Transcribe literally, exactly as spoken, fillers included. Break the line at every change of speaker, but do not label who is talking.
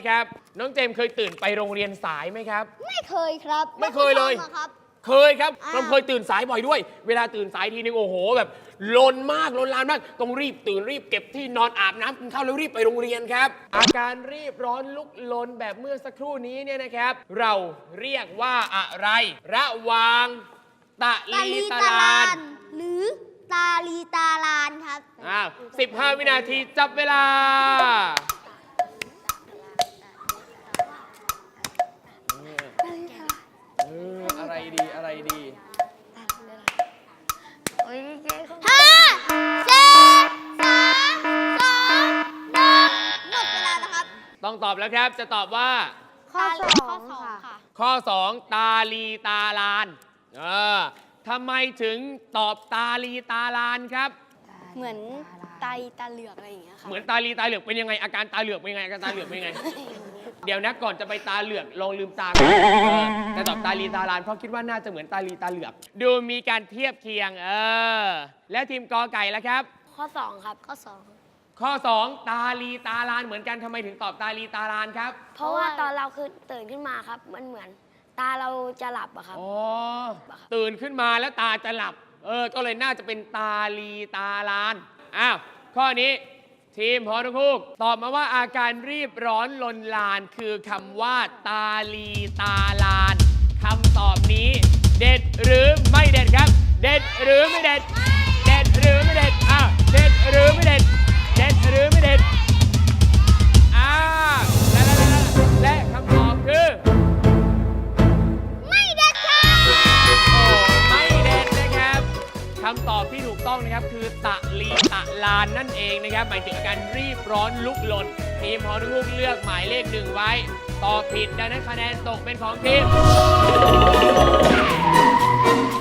ครับน้องเจมส์เคยตื่นไปโรงเรียนสายไหมครับ
ไม่เคยครับ
ไม่เคยเลย
ครับ
เคยครับเราเคยตื่นสายบ่อยด้วยเวลาตื่นสายทีนึงโอ้โหแบบลนมากลนลานมากต้องรีบตื่นรีบเก็บที่นอนอาบน้ำกินข้าวแล้วรีบไปโรงเรียนครับอาการรีบร้อนลุกลนแบบเมื่อสักครู่นี้เนี่ยนะครับเราเรียกว่าอะไรระหว่างตะลีตะลาน
หรือตาลีตาลานครับ
อ้าวสิบห้าวินาทีจับเวลาเอออะไรดีอะไรดี
ห้าสี่สามสองหนึ่งหมดเวลาแล้วครับ
ต้องตอบแล้วครับจะตอบว่า
ข้อสองค่ะ
ข้อสองตาลีตาลานเออทำไมถึงตอบตาลีตาลานครับ
เหมือนตาตาเหลือกอะไรอย่างเงี้ยค่ะ
เหมือนตาลีตาเหลือกเป็นยังไงอาการตาเหลือกเป็นยังไงอาการตาเหลือกเป็นยังไง เดี๋ยวนะก่อนจะไปตาเหลือกลองลืมตาก่อนแต่ตอบตาลีตาลานเพราะคิดว่าน่าจะเหมือนตาลีตาเหลือกดูมีการเทียบเคียงเออแล้วทีมกอไก่แล้วครับ
ข้อสองครับข้อสอง
ข้อสองตาลีตาลานเหมือนกันทำไมถึงตอบตาลีตาลานครับ
เพราะว่าตอนเราคือตื่นขึ้นมาครับมันเหมือนตาเราจะหลับอะครับ
อ๋อตื่นขึ้นมาแล้วตาจะหลับเออก็เลยน่าจะเป็นตาลีตาลานอ้าวข้อนี้ทีมพอทุกคู่ตอบมาว่าอาการรีบร้อนลนลานคือคำว่าตาลีตาลานคำตอบนี้เด็ดหรือไม่เด็ดครับเด็ดหรือไม่เด็ดเด็ดหรือไม่เด็ดอ้าวเด็ดหรือไม่เด็ดเด็ดหรือไม่เด็ดอ้าวและและและและคำตอบคือ
ไม่เด็ดค่ะ
โอ้ไม่เด็ดนะครับคำตอบที่ถูกต้องนะครับคือตะลีตะลานนั่นเองนะครับหมายถึงอาการรีบร้อนลุกลนทีมฮอนุกเลือกหมายเลขหนึ่งไว้ตอบผิดดังนั้นคะแนนตกเป็นของทีม